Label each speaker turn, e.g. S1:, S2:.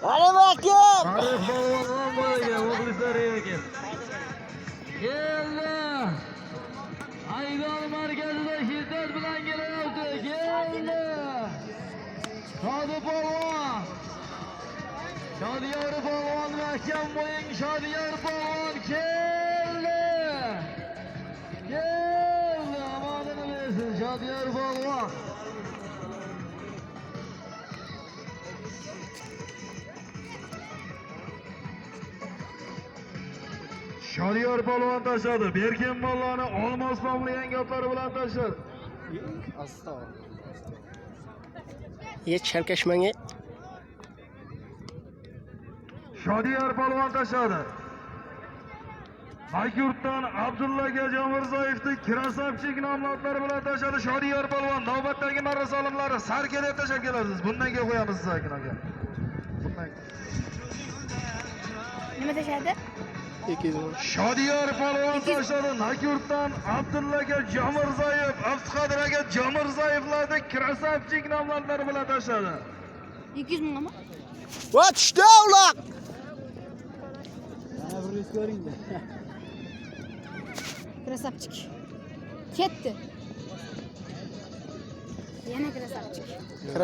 S1: Arif Akim.
S2: Arif polvondan bo'laga, muxlislar ekan. Keldi. Aydon markazida shiddat bilan kelyapti. Keldi. Shodi polvon. Shodiyor polvon mahkam bo'ying Shodiyor polvon keldi. Keldi. Omonini bersin Shodiyor polvon. Shodiyor polvon tashladi. Berkin mollani olmos nomli yangi otlari bilan tashladi.
S1: Ye charkashmanga.
S2: Shodiyor polvon tashladi. Akyurtdan Abdulla Gajamirzoyevning Krasavchik nomli otlari bilan tashladi. Shodiyor polvon navbatdagi marra solimlari sarka deb tashlab kelasiz. Bundan keyin qo'yamiz siz aka. Bundan.
S3: Nima tashadi?
S2: Shodiyor polvon tashladi. Akyurtdan Abdulla Gajamirzoyev, Abduqodir aka Jamirzoyevlarning Krasavchik nomli otlari bilan tashladi.
S3: 200 mingmi?
S1: Va tushdi uloq.
S3: Krasavchik. Ketdi. Yana krasavchik.